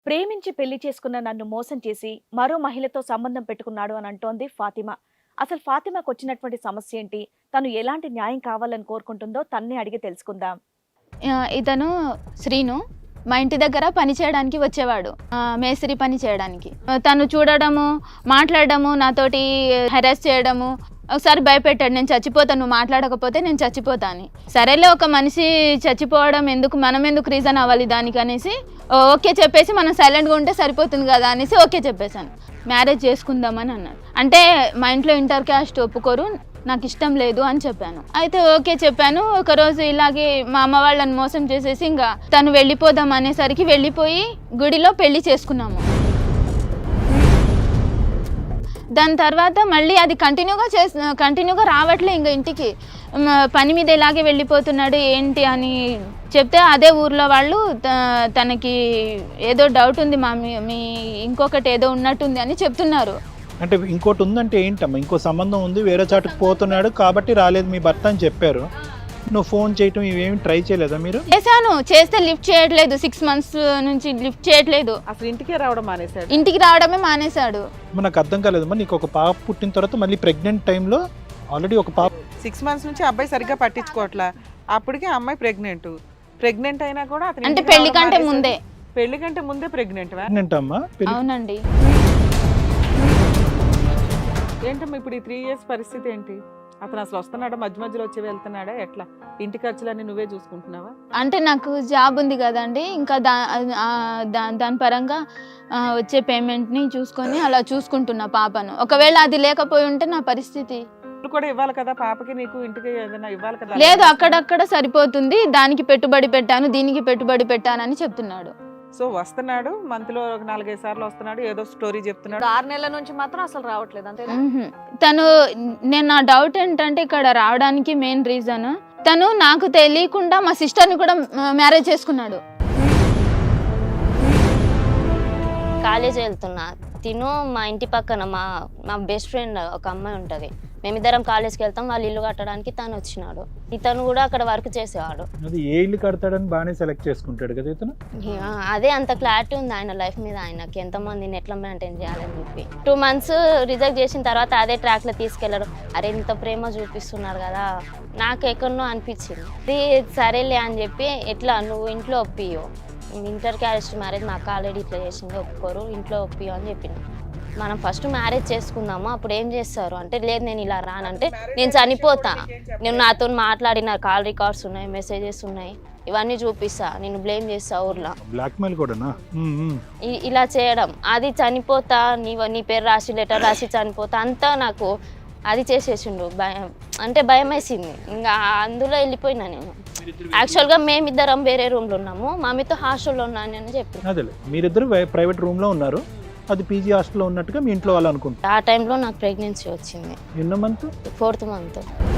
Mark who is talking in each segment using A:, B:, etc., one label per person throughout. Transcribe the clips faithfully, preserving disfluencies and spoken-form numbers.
A: ప్రేమించి పెళ్లి చేసుకున్న నన్ను మోసం చేసి మరో మహిళతో సంబంధం పెట్టుకున్నాడు అని అంటోంది ఫాతిమా. అసలు ఫాతిమాకు వచ్చినటువంటి సమస్య ఏంటి, తను ఎలాంటి న్యాయం కావాలని కోరుకుంటుందో తన్నే అడిగి తెలుసుకుందాం.
B: ఇతను శ్రీను మా ఇంటి దగ్గర పని చేయడానికి వచ్చేవాడు, మేస్త్రి పని చేయడానికి. తను చూడడము, మాట్లాడడము, నాతోటి హెరాస్ చేయడము. ఒకసారి భయపెట్టాడు, నేను చచ్చిపోతాను, నువ్వు మాట్లాడకపోతే నేను చచ్చిపోతాను. సరేలే, ఒక మనిషి చచ్చిపోవడం ఎందుకు, మనం ఎందుకు రీజన్ అవ్వాలి దానికి అనేసి ఓకే చెప్పేసి మనం సైలెంట్గా ఉంటే సరిపోతుంది కదా అనేసి ఓకే చెప్పేశాను. మ్యారేజ్ చేసుకుందామని అన్నాడు. అంటే మా ఇంట్లో ఇంటర్ క్యాస్ట్ ఒప్పుకోరు, నాకు ఇష్టం లేదు అని చెప్పాను. అయితే ఓకే చెప్పాను. ఒకరోజు ఇలాగే మా అమ్మ వాళ్ళని మోసం చేసేసి ఇంకా తను వెళ్ళిపోదాం అనేసరికి వెళ్ళిపోయి గుడిలో పెళ్లి చేసుకున్నాము. దాని తర్వాత మళ్ళీ అది కంటిన్యూగా చేసి కంటిన్యూగా రావట్లే ఇంకా ఇంటికి. పని మీద ఇలాగే వెళ్ళిపోతున్నాడు ఏంటి అని చెప్తే అదే ఊర్లో వాళ్ళు తనకి ఏదో డౌట్ ఉంది మా మీ ఇంకొకటి ఏదో ఉన్నట్టుంది అని చెప్తున్నారు.
C: అంటే ఇంకోటి ఉందంటే ఏంటమ్మా, ఇంకో సంబంధం ఉంది, వేరే చాటుకు పోతున్నాడు కాబట్టి రాలేదు మీ భర్త అని చెప్పారు. నువ్వు ఫోన్ చేయటం ఇవేమి ట్రై చేయలేదా మీరు?
B: చేశాను, చేస్తే లిఫ్ట్ చేయట్లేదు. సిక్స్ మంత్స్ నుంచి లిఫ్ట్ చేయట్లేదు.
D: అసలు ఇంటికి రావడం మానేశాడు.
B: ఇంటికి రావడమే మానేశాడు.
C: నాకు అర్థం కాలేదమ్మా, నీకు ఒక పాప పుట్టిన తర్వాత మళ్ళీ ప్రెగ్నెంట్ టైంలో ఆల్రెడీ ఒక పాప
D: సిక్స్ మంత్స్ నుంచి అబ్బాయి సరిగ్గా పట్టించుకోవట్లా. అప్పటికే అమ్మాయి ప్రెగ్నెంట్ ప్రెగ్నెంట్ అయినా కూడా అతను
B: అంటే పెళ్లి కంటే ముందే
D: పెళ్లి కంటే ముందే ప్రెగ్నెంట్.
C: ప్రెగ్నెంట్ అమ్మా?
B: అవునండి.
D: ఏంటమ్మా ఇప్పుడు ఈ త్రీ ఇయర్స్ పరిస్థితి ఏంటి? అతను అసలు వస్తున్నాడా, మధ్య మధ్యలో వచ్చి వెళ్తున్నాడా, ఎట్లా? ఇంటి ఖర్చులన్నీ నువ్వే చూసుకుంటున్నావా?
B: అంటే నాకు జాబ్ ఉంది కదండి, ఇంకా దా దాని పరంగా వచ్చే పేమెంట్ని చూసుకొని అలా చూసుకుంటున్నా పాపను. ఒకవేళ అది లేకపోయి ఉంటే నా పరిస్థితి
D: కూడా ఇవ్వాలి కదా పాపకి, నీకు ఇంటికి ఏదైనా ఇవ్వాలి కదా.
B: లేదు, అక్కడక్కడ సరిపోతుంది, దానికి పెట్టుబడి పెట్టాను, దీనికి పెట్టుబడి పెట్టానని చెప్తున్నాడు.
D: సో వస్తున్నాడు, మంత్ లో ఒక నాలుగైదు సార్లు వస్తున్నాడు, ఏదో స్టోరీ చెప్తున్నాడు.
A: ఆరు నెలల నుంచి మాత్రం అసలు రావట్లేదు అంతే.
B: తను నేను నా డౌట్ ఏంటంటే ఇక్కడ రావడానికి మెయిన్ రీజన్ తను నాకు తెలియకుండా మా సిస్టర్ని కూడా మ్యారేజ్ చేసుకున్నాడు.
E: కాలేజ్ వెళ్తున్నా, తిను మా ఇంటి పక్కన మా మా బెస్ట్ ఫ్రెండ్ ఒక అమ్మాయి ఉంటుంది, మేమిద్దరం కాలేజ్కి వెళ్తాం, వాళ్ళు ఇల్లు కట్టడానికి తను వచ్చినాడు. ఇతను కూడా అక్కడ వర్క్ చేసేవాడు.
C: అది ఏ ఇల్లు కడతాడని బాగానే సెలెక్ట్ చేసుకుంటాడు కదా ఇతను.
E: అదే అంత క్లారిటీ ఉంది ఆయన లైఫ్ మీద, ఆయనకి ఎంతమందిని ఎట్లా మెయింటైన్ చేయాలని చెప్పి. టూ మంత్స్ రిజెక్ట్ చేసిన తర్వాత అదే ట్రాక్లో తీసుకెళ్లారు. అరే ఇంత ప్రేమ చూపిస్తున్నారు కదా, నాకు ఎక్కడనో అనిపించింది. ఇది సరేలే అని చెప్పి, ఎట్లా నువ్వు ఇంట్లో ఒప్పియో, ఇంటర్ క్యాస్ట్ మ్యారేజ్ మా అక్క ఆల్రెడీ ఇట్లా చేసింది, ఒప్పుకోరు, ఇంట్లో ఒప్పియో అని చెప్పిన. మనం ఫస్ట్ మ్యారేజ్ చేసుకుందాము, అప్పుడు ఏం చేస్తారు అంటే, లేదు నేను ఇలా రానంటే నేను చనిపోతా, నేను నాతో మాట్లాడిన కాల్ రికార్డ్స్ ఉన్నాయి, మెసేజెస్ ఉన్నాయి, ఇవన్నీ చూపిస్తా, నేను బ్లేమ్ చేస్తా ఊర్లో.
C: బ్లాక్మెయిల్ కూడానా?
E: ఇలా చేయడం, అది చనిపోతా, నీ నీ పేరు రాసి లెటర్ రాసి చనిపోతా, అంతా నాకు అది చేసేసిండు. భయం అంటే భయం వేసింది, ఇంకా అందులో వెళ్ళిపోయినా నేను. యాక్చువల్గా మేమిద్దరం వేరే రూమ్లో ఉన్నాము, మామితో హాస్టల్లో ఉన్నాను అని చెప్పి.
C: అదే మీరిద్దరు ప్రైవేట్ రూమ్లో ఉన్నారు, అది పీజీ హాస్టల్లో ఉన్నట్టుగా మీ ఇంట్లో వాళ్ళు అనుకుంటారు.
E: ఆ టైంలో నాకు ప్రెగ్నెన్సీ వచ్చింది.
C: ఎన్నో మంత్?
E: Fourth month.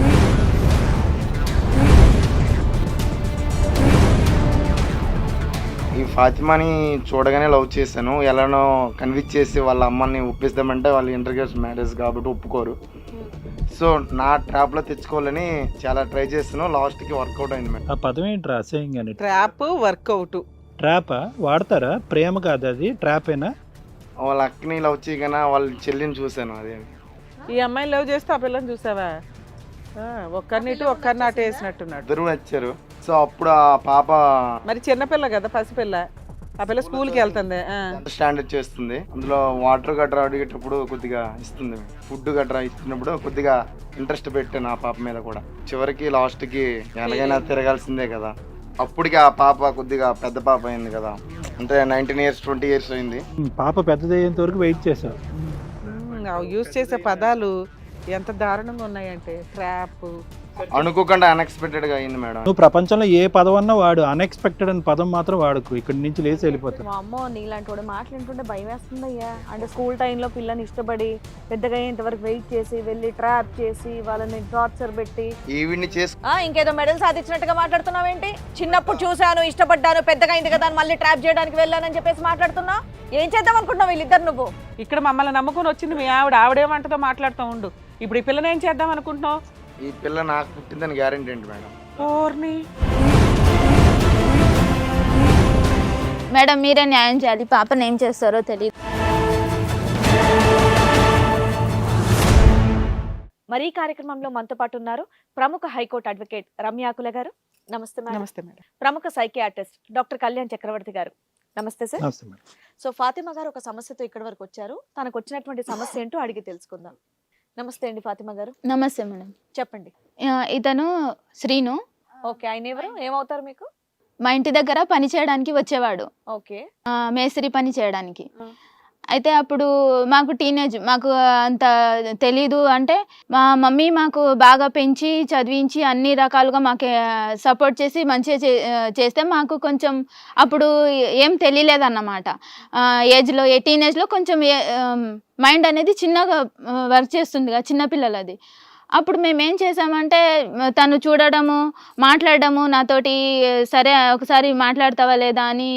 F: ఈ ఫాతిమాని చూడగానే లవ్ చేశాను, ఎలానో కన్విన్స్ చేసి వాళ్ళ అమ్మని ఒప్పిస్తామంటే వాళ్ళు ఇంటర్ క్యాస్ట్ మ్యారేజ్ కాబట్టి ఒప్పుకోరు. సో నా ట్రాప్లో తెచ్చుకోవాలని చాలా ట్రై చేస్తున్నాను, లాస్ట్కి వర్కౌట్ అయింది మేడం.
C: ఆ పదం ఏంటి రాసేయంగానే?
D: Trap work out.
C: ట్రాపా వాడతారా? ప్రేమ కాదు అది, ట్రాపేనా?
F: వాళ్ళ అక్కని లవ్ చేయగానే వాళ్ళ చెల్లిని చూశాను. అదే
D: ఈ అమ్మాయిని లవ్ చేస్తే ఆ పిల్లని చూసావా? ఒక్కరిని ఇటు ఒక్కరిని అటు వేసినట్టున్నాడు.
F: ఇద్దరు నచ్చారు. సో అప్పుడు ఆ పాప
D: మరి చిన్నపిల్ల కదా, పసిపిల్ల, ఆ పిల్ల స్కూల్కి వెళ్తుంది,
F: స్టాండర్డ్ చేస్తుంది. అందులో వాటర్ గట్రా అడిగేటప్పుడు కొద్దిగా ఇస్తుంది, ఫుడ్ గట్రా ఇచ్చినప్పుడు కొద్దిగా ఇంట్రెస్ట్ పెట్టాను ఆ పాప మీద కూడా. చివరికి లాస్ట్కి ఎలాగైనా తిరగాల్సిందే కదా. అప్పటికి ఆ పాప కొద్దిగా పెద్ద పాప అయింది కదా, అంటే నైన్టీన్ ఇయర్స్ ట్వంటీ ఇయర్స్ అయింది.
C: పాప పెద్దదయ్యేంత వరకు వెయిట్ చేశారు.
D: యూజ్ చేసే పదాలు ఎంత దారుణంగా ఉన్నాయంటే, ట్రాప్.
F: అనుకోకుండా అన్ఎక్స్పెక్టెడ్ గా అయింది మేడం.
C: నువ్వు ప్రపంచంలో ఏ పదం అన్నా వాడు, అన్ఎక్స్పెక్టెడ్ అని పదం మాత్రం వాడుకు, ఇక్కడి నుంచి లేచి వెళ్ళిపోతావు.
A: మా అమ్మో నీలాంటి వాడు మాట్లాడుతుంటే భయం వేస్తుంది అయ్యా. అంటే స్కూల్ టైంలో పిల్లని ఇష్టపడి పెద్దగా ఇంతవరకు వెయిట్ చేసి వెళ్ళి ట్రాప్ చేసి వాళ్ళని టార్చర్ పెట్టి
F: ఈవిడ్ని చేసి
A: ఇంకేదో మెడల్ సాధించినట్టుగా మాట్లాడుతున్నావేంటి? చిన్నప్పుడు చూశాను, ఇష్టపడ్డాను, పెద్దగా అయింది కదా మళ్ళీ ట్రాప్ చేయడానికి వెళ్ళానని చెప్పేసి మాట్లాడుతున్నా. ఏం చేద్దాం అనుకుంటున్నావు వీళ్ళిద్దరు? నువ్వు
D: ఇక్కడ మమ్మల్ని నమ్ముకొని వచ్చింది మీ ఆవిడ, ఆవిడేమంటదో మాట్లాడుతూ ఉండు. ఇప్పుడు ఈ పిల్లని ఏం చేద్దాం అనుకుంటున్నావు?
F: ఈ పిల్ల నాకు పుట్టిందని గ్యారెంటీ ఏంటి మేడం?
D: ఓర్ని
B: మేడం మీరే న్యాయం చేయాలి, పాపను ఏం చేస్తారో తెలియదు.
A: మరి ఈ కార్యక్రమంలో మనతో పాటు ఉన్నారు ప్రముఖ హైకోర్టు అడ్వకేట్ రమ్యాకుల గారు. నమస్తే మేడం.
D: నమస్తే మేడం.
A: ప్రముఖ సైకియాట్రిస్ట్ డాక్టర్ కళ్యాణ్ చక్రవర్తి గారు. నమస్తే సార్.
C: నమస్తే మేడం.
A: సో ఫాతిమా గారు ఒక సమస్యతో ఇక్కడి వరకు వచ్చారు. తనకు వచ్చినటువంటి సమస్య ఏంటో అడిగి తెలుసుకుందాం. నమస్తే అండి ఫాతిమా గారు.
B: నమస్తే మేడం.
A: చెప్పండి.
B: ఆ, ఇతను శ్రీను.
A: ఓకే, ఆయన ఎవరు, ఏమవుతారు మీకు?
B: మా ఇంటి దగ్గర పని చేయడానికి వచ్చేవాడు,
A: ఓకే.
B: ఆ, మేస్త్రి పని చేయడానికి.
A: ఆ.
B: అయితే అప్పుడు మాకు టీనేజ్, మాకు అంత తెలీదు. అంటే మా మమ్మీ మాకు బాగా పెంచి చదివించి అన్ని రకాలుగా మాకు సపోర్ట్ చేసి మంచిగా చే చేస్తే మాకు కొంచెం అప్పుడు ఏం తెలియలేదన్నమాట. ఏజ్లో ఏ టీనేజ్లో కొంచెం మైండ్ అనేది చిన్నగా వర్క్ చేస్తుంది కదా, చిన్నపిల్లలది. అప్పుడు మేము ఏం చేసామంటే తను చూడడము, మాట్లాడడము, నాతోటి సరే ఒకసారి మాట్లాడతావా లేదా అని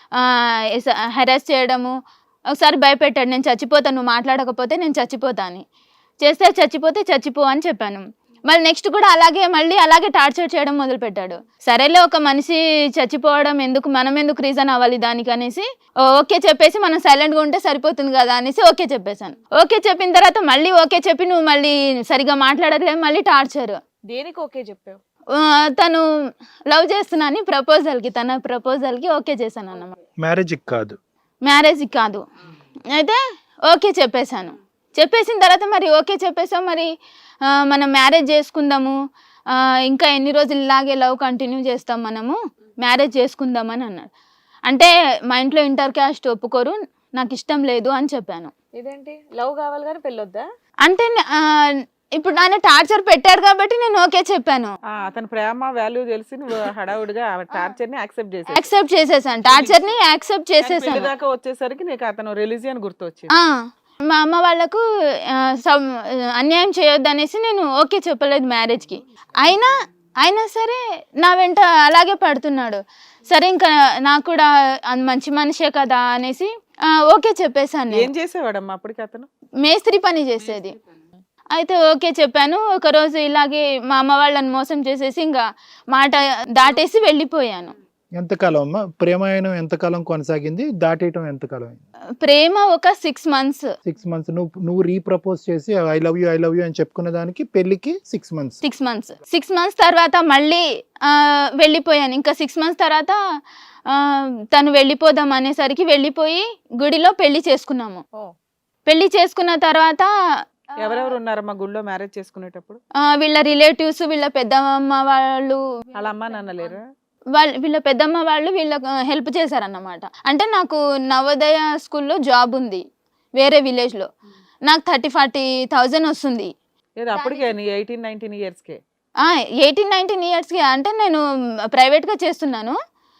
B: హెరాస్ చేయడము. ఒకసారి భయపెట్టాడు, నేను చచ్చిపోతాను, నువ్వు మాట్లాడకపోతే నేను చచ్చిపోతా అని. చేస్తే చచ్చిపోతే చచ్చిపో అని చెప్పాను. మళ్ళీ నెక్స్ట్ కూడా అలాగే మళ్ళీ అలాగే టార్చర్ చేయడం మొదలుపెట్టాడు. సరేలే, ఒక మనిషి చచ్చిపోవడం ఎందుకు, మనం ఎందుకు రీజన్ అవ్వాలి దానికి అనేసి ఓకే చెప్పేసి మనం సైలెంట్గా ఉంటే సరిపోతుంది కదా అనేసి ఓకే చెప్పేశాను. ఓకే చెప్పిన తర్వాత మళ్ళీ ఓకే చెప్పి నువ్వు మళ్ళీ సరిగా మాట్లాడట్లేదు, మళ్ళీ టార్చర్.
A: దేనికి ఓకే చెప్పావు?
B: తను లవ్ చేస్తున్నాను ప్రపోజల్కి, తన ప్రపోజల్కి ఓకే చేశాను అన్నమాట.
C: మ్యారేజ్కి కాదు,
B: మ్యారేజ్కి కాదు. అయితే ఓకే చెప్పేశాను. చెప్పేసిన తర్వాత మరి ఓకే చెప్పేసాం, మరి మనం మ్యారేజ్ చేసుకుందాము, ఇంకా ఎన్ని రోజులు ఇలాగే లవ్ కంటిన్యూ చేస్తాం, మనము మ్యారేజ్ చేసుకుందామని అన్నాడు. అంటే మా ఇంట్లో ఇంటర్ క్యాస్ట్ ఒప్పుకోరు, నాకు ఇష్టం లేదు అని చెప్పాను.
A: ఇదేంటి లవ్ కావాలి కానీ పెళ్ళొద్దా?
B: అంటే ఇప్పుడు ఆయన టార్చర్ పెట్టాడు కాబట్టి నేను ఓకే చెప్పాను.
D: అతని ప్రేమ వాల్యూ తెలిసి నువ్వు హడావుడిగా టార్చర్ ని యాక్సెప్ట్ చేసి
B: యాక్సెప్ట్ చేసేసాను టార్చర్ ని యాక్సెప్ట్ చేసేసాను.
D: దాకా వచ్చేసరికి నీకు అతను రిలీజియన్ గుర్తొచ్చింది.
B: మా అమ్మ వాళ్ళకు అన్యాయం చేయొద్దు అనేసి నేను ఓకే చెప్పలేదు మ్యారేజ్కి. అయినా అయినా సరే నా వెంట అలాగే పడుతున్నాడు. సరే ఇంకా నాకు కూడా మంచి మనిషే కదా అనేసి ఓకే చెప్పేశాను.
D: ఏం చేసేవాడమ్మా అప్పటికి అతను?
B: మేస్త్రి పని చేసేది. అయితే ఓకే చెప్పాను. ఒకరోజు ఇలాగే మా అమ్మ వాళ్ళని మోసం చేసేసి ఇంకా మాట దాటేసి వెళ్ళిపోయాను.
C: ఎంతకాలం అమ్మా ప్రేమాయణం ఎంతకాలం కొనసాగింది, దాటేయటం ఎంతకాలం?
B: ప్రేమ ఒక సిక్స్ మంత్స్.
C: సిక్స్ మంత్స్ నువ్వు నువ్వు రీప్రపోజ్ చేసి I love you I love you అని చెప్పుకునే దానికి పెళ్లికి six months
B: six months six months తర్వాత మళ్ళీ వెళ్ళిపోయాను. ఇంకా సిక్స్ మంత్స్ తర్వాత తను వెళ్ళిపోదాం అనేసరికి వెళ్ళిపోయి గుడిలో పెళ్లి చేసుకున్నాము. పెళ్లి చేసుకున్న తర్వాత
D: ఎవరెవరు ఉన్నారమ్మా గుళ్ళో మ్యారేజ్ చేసుకునేటప్పుడు?
B: వీళ్ళ రిలేటివ్స్, వీళ్ళ పెద్దమ్మ వాళ్ళు.
D: వాళ్ళ అమ్మ నాన్న లేరు?
B: వాళ్ళ వీళ్ళ పెద్దమ్మ వాళ్ళు వీళ్ళకి హెల్ప్ చేశారన్నమాట. అంటే నాకు నవోదయ స్కూల్లో జాబ్ ఉంది వేరే విలేజ్లో. నాకు థర్టీ ఫార్టీ థౌజండ్ వస్తుంది.
D: అప్పటికే ఎయిటీన్ నైన్టీన్ ఇయర్స్కే
B: ఎయిటీన్ నైన్టీన్ ఇయర్స్కి అంటే నేను ప్రైవేట్గా చేస్తున్నాను.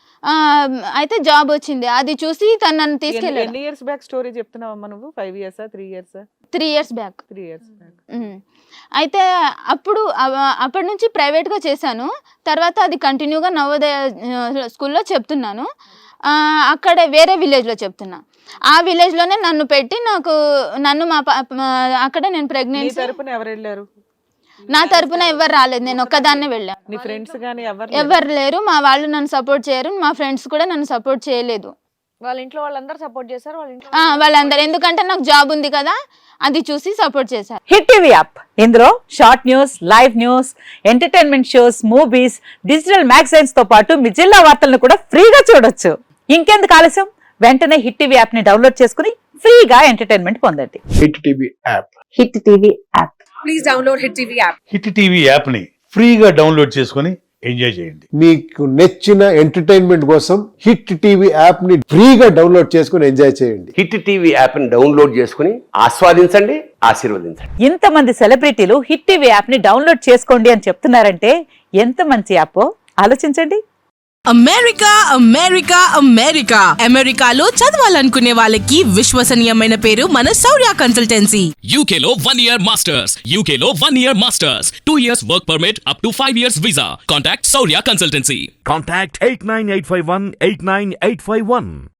B: అయితే జాబ్ వచ్చింది, అది చూసి తను నన్ను తీసుకెళ్ళి.
D: ఎన్ని ఇయర్స్ బ్యాక్ స్టోరీ చెప్తున్నావమ్మా నువ్వు? Five years three years
B: three years back
D: three years back
B: అయితే అప్పుడు అప్పటి నుంచి ప్రైవేట్గా చేశాను. తర్వాత అది కంటిన్యూగా నవోదయ స్కూల్లో చెప్తున్నాను. అక్కడే వేరే విలేజ్లో చెప్తున్నా. ఆ విలేజ్లోనే నన్ను పెట్టి నాకు నన్ను మా అక్కడే నేను ప్రెగ్నెన్సీ.
D: తరపున ఎవరు వెళ్ళారు?
B: నా తరపున ఎవరు రాలేదు, నేను ఒక్కదాన్నే వెళ్ళాను.
D: నీ ఫ్రెండ్స్ గానీ
B: ఎవరు లేరు, మా వాళ్ళు నన్ను సపోర్ట్ చేయరు, మా ఫ్రెండ్స్ కూడా నన్ను సపోర్ట్ చేయలేదు.
A: వాళ్ళ ఇంట్లో వాళ్ళందరూ సపోర్ట్ చేశారు? వాళ్ళ ఇంట్లో
B: వాళ్ళందరూ, ఎందుకంటే నాకు జాబ్ ఉంది కదా అది చూసి సపోర్ట్ చేశారు.
G: హిట్ టీవీ యాప్, ఇందులో short news, live news, entertainment shows, movies, digital magazines తో పాటు మీ జిల్లా వార్తలను కూడా ఫ్రీగా చూడొచ్చు. ఇంకెందుకు ఆలస్యం, వెంటనే హిట్ టీవీ యాప్ ని డౌన్లోడ్ చేసుకుని ఫ్రీగా ఎంటర్టైన్మెంట్ పొందండి.
H: Hit TV app
G: hit TV app
I: please download hit TV app.
H: Hit TV app ని ఫ్రీగా డౌన్లోడ్ చేసుకుని ఎంజాయ్ చేయండి.
J: మీకు నచ్చిన ఎంటర్టైన్మెంట్ కోసం హిట్ టీవీ యాప్ ని ఫ్రీగా డౌన్లోడ్ చేసుకుని ఎంజాయ్ చేయండి.
K: హిట్ టీవీ యాప్ ని డౌన్లోడ్ చేసుకుని ఆస్వాదించండి, ఆశీర్వదించండి.
G: ఇంతమంది సెలబ్రిటీలు హిట్ టీవీ యాప్ ని డౌన్లోడ్ చేసుకోండి అని చెప్తున్నారంటే ఎంత మంచి యాప్ ఆలోచించండి.
I: అమెరికా అమెరికా అమెరికా అమెరికాలో చదవాలనుకునే వాళ్ళకి విశ్వసనీయమైన పేరు మన శౌర్య కన్సల్టెన్సీ.
L: యూకేలో వన్ ఇయర్ మాస్టర్స్ యూకేలో one year masters two years work permit up to five years visa. Contact Shaurya consultancy.
M: Contact eight nine eight five one eight nine eight five one.